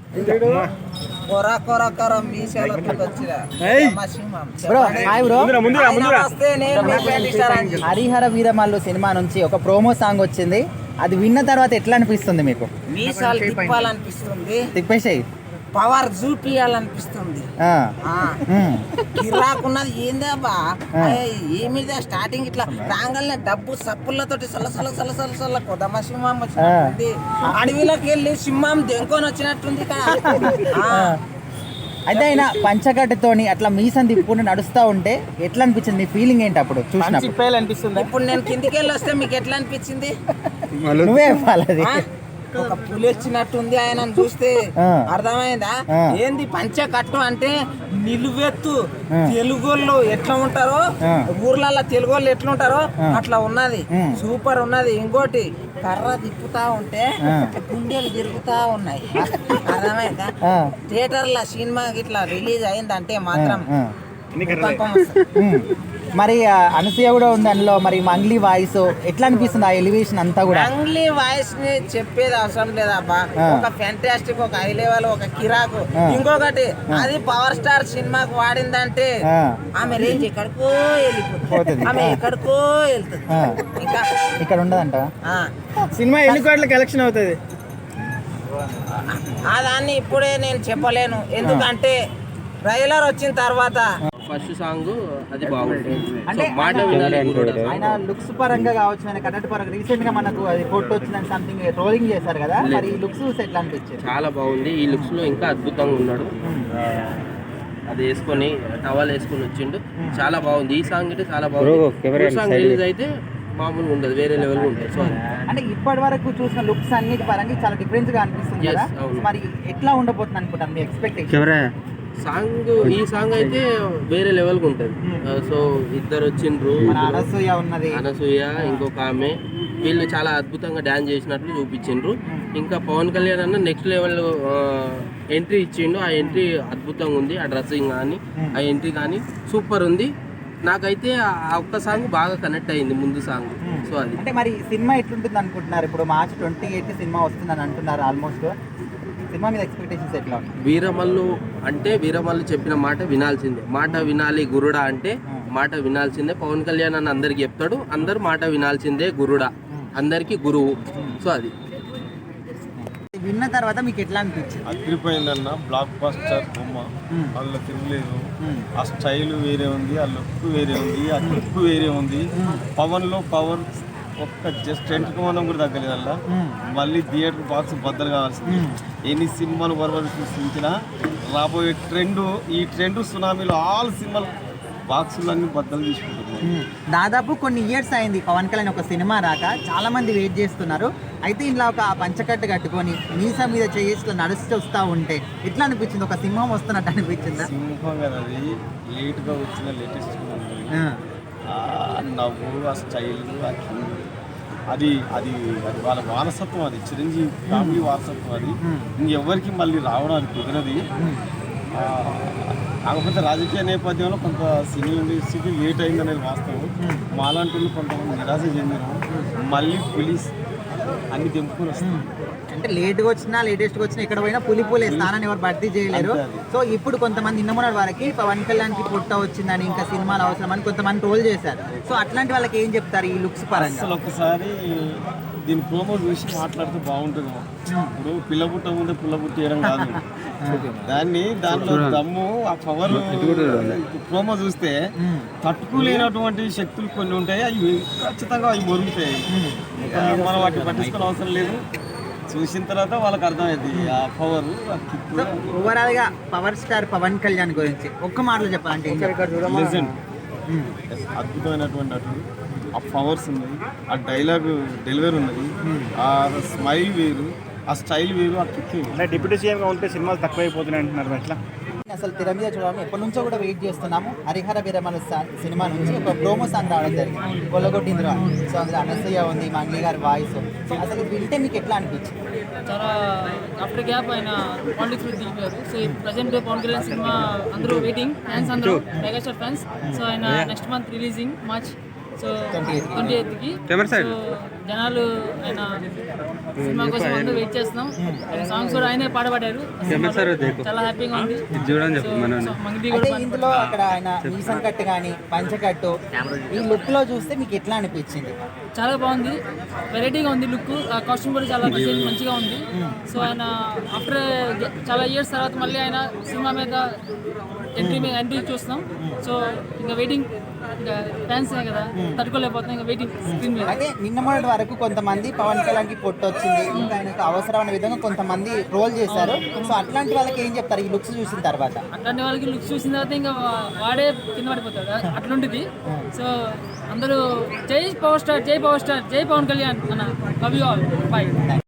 Harihara Veeramallu cinema నుంచి ఒక promo song వచ్చింది. అది విన్న తర్వాత ఎట్లా అనిపిస్తుంది మీకు? మీసాలు తిప్పాలనిపిస్తుంది, తిప్పేసాయి పవర్ చూపియాలనిపిస్తుంది. గిరాకున్నది ఏందేబా ఏమిదే స్టార్టింగ్ ఇట్లా రాగానే డబ్బు సప్పులతోటి సల్ల కొదమ సింహం వచ్చినట్టుంది. అడవిలోకి వెళ్ళి సింహం దెంకొని వచ్చినట్టుంది అయితే ఆయన పంచకట్టుతోని అట్లా మీసం తిప్పుకుంటూ నడుస్తూ ఉంటే ఎట్లా అనిపించింది? మీ ఫీలింగ్ ఏంటి అప్పుడు చూసినప్పుడు? అనిపిస్తుంది. ఇప్పుడు నేను కిందికి వెళ్ళి వస్తే మీకు ఎట్లా అనిపించింది? నువ్వే చెప్పాలి. ఒక పులి వచ్చినట్టుంది ఆయన చూస్తే, అర్థమైందా? ఏంది పంచకట్టు అంటే నిలువెత్తు తెలుగోళ్ళు ఎట్లా ఉంటారో, ఊర్లలో తెలుగోళ్ళు ఎట్లా ఉంటారో అట్లా ఉన్నది. సూపర్ ఉన్నది. ఇంకోటి కర్ర తిప్పుతా ఉంటే గుండెలు తిరుగుతా ఉన్నాయి, అర్థమైందా? థియేటర్ల సినిమా ఇట్లా రిలీజ్ అయిందంటే మాత్రం మరి అనసూయ కూడా ఉంది అందులో. మరి మంగ్లీ వాయిస్ ఎట్లా అనిపిస్తుంది? ఆ ఎలివేషన్ అంతా కూడా మంగ్లీ వాయిస్ ని చెప్పేది అవసరం లేదబ్బా. ఒక ఫ్యాంటాస్టిక్, ఒక హై లెవెల్, ఒక కిరాకు. ఇంకొకటి అది పవర్ స్టార్ సినిమాకు వాడిందంటే ఆమె రేంజ్ ఎక్కడికో వెళ్ళిపోతుంది, ఆమె ఎక్కడికో వెళ్తుంది. ఇంకా ఇక్కడ ఉండదంట. సినిమా ఎన్ని కోట్ల కలెక్షన్ అవుతుంది దాన్ని ఇప్పుడే నేను చెప్పలేను, ఎందుకంటే ట్రైలర్ వచ్చిన తర్వాత. ఫస్ట్ సాంగ్ అది బాగుంటుంది. అంటే ఆయన లుక్స్ పరంగా కావచ్చు, ఆయన కన్నడ పరంగా రీసెంట్ గా మనకు అది ఫోటో వచ్చిందని సంథింగ్ ట్రోలింగ్ చేశారు కదా, మరి ఈ లుక్స్ ఎట్లా అనిపించింది? చాలా బాగుంది. ఈ లుక్స్ లో ఇంకా అద్భుతంగా ఉన్నాడు. అది వేసుకొని టవల్ వేసుకొని వచ్చిండు, చాలా బాగుంది. ఈ సాంగ్ అయితే చాలా బాగుంది. సాంగ్ రిలీజ్ అయితే మామూలుగా ఉండదు, వేరే లెవెల్ ఉంటుంది. సో అంటే ఇప్పటి వరకు చూసిన లుక్స్ అన్నిటి పరంగా చాలా డిఫరెన్స్ గా అనిపిస్తుంది కదా, మరి ఎట్లా ఉండబోతుంది అనుకుంటాను మీ ఎక్స్పెక్టేషన్? సాంగ్ ఈ సాంగ్ అయితే వేరే లెవెల్గా ఉంటుంది. సో ఇద్దరు వచ్చిండ్రు, అనసూయ ఇంకొక ఆమె, వీళ్ళు చాలా అద్భుతంగా డ్యాన్స్ చేసినట్లు చూపించిండ్రు. ఇంకా పవన్ కళ్యాణ్ అన్న నెక్స్ట్ లెవెల్ ఎంట్రీ ఇచ్చిండు. ఆ ఎంట్రీ అద్భుతంగా ఉంది. ఆ డ్రెస్సింగ్ కానీ ఆ ఎంట్రీ కానీ సూపర్ ఉంది. నాకైతే ఆ ఒక్క సాంగ్ బాగా కనెక్ట్ అయింది, ముందు సాంగ్. సో అది అంటే మరి సినిమా ఎట్లుంటుంది అనుకుంటున్నారు? ఇప్పుడు March 28 సినిమా వస్తుందని అంటున్నారు. ఆల్మోస్ట్ సినిమా మీద ఎక్స్పెక్టేషన్స్ ఎట్లా? వీరమల్లు అంటే వీరమల్లు చెప్పిన మాట వినాల్సిందే. మాట వినాలి గురుడా అంటే మాట వినాల్సిందే. పవన్ కళ్యాణ్ అని అందరికి చెప్తాడు, అందరు మాట వినాల్సిందే. గురుడా అందరికి గురువు. సో అది విన్న తర్వాత మీకు ఎట్లా అనిపించింది? అదిరిపోయిందన్న. బ్లాక్ బస్టర్ బొమ్మ, అందులో తిరగలేదు. ఆ స్టైల్ వేరే ఉంది, ఆ లుక్ వేరే ఉంది, ఆ లుక్ వేరే ఉంది. పవన్లో పవర్ ఒక్క జస్ట్ ఎంటుకోవడం కూడా తగ్గలేదు. అలా మళ్ళీ థియేటర్ బాక్స్ బద్దలు కావాల్సింది. ఎన్ని సినిమాలు వరవరు సృష్టించినా రాబోయే ఈ ట్రెండ్ సునామీలో ఆల్ సినిమాలు బాక్సులు అన్ని బద్దలు తీసుకుంటున్నాయి. దాదాపు కొన్ని ఇయర్స్ అయింది పవన్ కళ్యాణ్ ఒక సినిమా రాక, చాలా మంది వెయిట్ చేస్తున్నారు. అయితే ఇంట్లో ఒక పంచకట్టు కట్టుకొని మీసా మీద చేసి నడుస్తూ వస్తూ ఉంటే ఎట్లా అనిపించింది? ఒక సింహం వస్తున్నట్టు అనిపించిందా? సింహం కదా, అది లేట్గా వచ్చిన లేటెస్ట్ నవ్వు, ఆ స్టైల్, అది అది అది వాళ్ళ వారసత్వం. అది చిరంజీవి ఫ్యామిలీ వారసత్వం. అది ఇంకెవరికి మళ్ళీ రావడానికి కుదిరది. కాకపోతే రాజకీయ నేపథ్యంలో కొంత సినీ ఇండస్ట్రీకి లేట్ అయిందనేది వాస్తవం. మాలాంటి వాళ్ళు కొంతమంది నిరాశ చెందినాం. మళ్ళీ పోలీస్ అన్ని తెంపుకొని వస్తాం. అంటే లేట్గా వచ్చినా లేటెస్ట్గా వచ్చినా ఎక్కడ పోయినా పులి స్థానాన్ని ఎవరు భర్తీ చేయలేరు. సో ఇప్పుడు కొంతమంది నిన్నమొన్నటి వారికి పవన్ కళ్యాణ్కి పుట్ట వచ్చిందని, ఇంకా సినిమాలు అవసరం అని కొంతమంది ట్రోల్ చేశారు. సో అట్లాంటి వాళ్ళకి ఏం చెప్తారు ఈ లుక్స్ పరంగా? అసలు ఒకసారి దీని ప్రోమో చూసి మాట్లాడితే బాగుంటుంది. ఇప్పుడు పిల్ల పుట్ట ముందే పుల్ల పుట్టేయడం కాదు దానిలో దమ్ము, ఆ పవర్. ప్రోమో చూస్తే తట్టుకోలేనటువంటి శక్తులు కొన్ని ఉంటాయి, అవి ఖచ్చితంగా అవి మొరుగుతాయి. మనం వాటిని పట్టించుకోవడం అవసరం లేదు. చూసిన తర్వాత వాళ్ళకి అర్థమైంది ఆ పవర్. ఓవరాల్ గా పవర్ స్టార్ పవన్ కళ్యాణ్ గురించి ఒక్క మాటలో చెప్పాలంటే లెజెండ్, అద్భుతమైనటువంటి నటుడు. ఆ పవర్స్ ఉన్నాయి, ఆ డైలాగ్ డెలివరీ ఉన్నది, ఆ స్మైల్ వేరు, ఆ స్టైల్ వేరు, ఆ కిక్ వేరు. డిప్యూటీ సీఎంగా ఉంటే సినిమాలు తక్కువైపోతున్నాయి అంటున్నారు. ఎట్లా? అసలు తెర మీద చూడాలని ఎప్పటి నుంచో కూడా వెయిట్ చేస్తున్నాము. హరిహర వీరమల్లు సినిమా నుంచి ఒక ప్రోమో సాంగ్ రావడం జరిగింది, కొల్లగొట్టిందిరా. సో అందులో అనసూయ ఉంది, మంగ్లీ గారి వాయిస్. అసలు వింటే మీకు ఎట్లా అనిపించింది? చాలా ఆఫ్టర్ గ్యాప్ ఆయన పాలిటిక్స్ లో దిగిపోయారు. So present Pawan Kalyan cinema అందరూ వెయిటింగ్, ఫ్యాన్స్ అందరూ మెగాస్టార్ ఫ్యాన్స్. సో ఆయన నెక్స్ట్ మంత్ రిలీజింగ్ March 28కి. సో జనాలు ఆయన సినిమా కోసం అందరూ వెయిట్ చేస్తున్నాం. ఆయన సాంగ్స్ కూడా ఆయనే పాడబడ్డారు. చాలా హ్యాపీగా ఉంది. సో మంగ్ది కూడా అయితే ఇందులో అక్కడ ఆయన మీసం కట్టు కానీ పంచకట్టు ఈ లుక్ లో చూస్తే మీకు ఎట్లా అనిపించింది? చాలా బాగుంది, వెరైటీగా ఉంది లుక్. ఆ కాస్ట్యూమ్ కూడా చాలా మంచిగా ఉంది. సో ఆయన ఆఫ్టర్ చాలా ఇయర్స్ తర్వాత మళ్ళీ ఆయన సినిమా మీద ఎంట్రీ చూస్తున్నాం. సో ఇంకా వెయిటింగ్, ఇంకా ఫ్యాన్స్ కదా తట్టుకోలేకపోతున్నాం, ఇంకా వెయిటింగ్ స్క్రీన్ మీద. అయితే నిన్న మొన్నటి వరకు కొంతమంది పవన్ కళ్యాణ్కి పొట్టు వచ్చింది, ఇంకా ఆయనకు అవసరమైన విధంగా కొంతమంది ట్రోల్ చేశారు. సో అట్లాంటి వాళ్ళకి ఏం చెప్తారు ఈ లుక్స్ చూసిన తర్వాత? అట్లాంటి వాళ్ళకి లుక్స్ చూసిన తర్వాత ఇంకా వాడే కింద పడిపోతాడు, అట్లుంటుంది. సో అందరూ జై పవర్ స్టార్, జై పవర్ స్టార్, జై పవన్ కళ్యాణ్ అన్న. Love you all, by.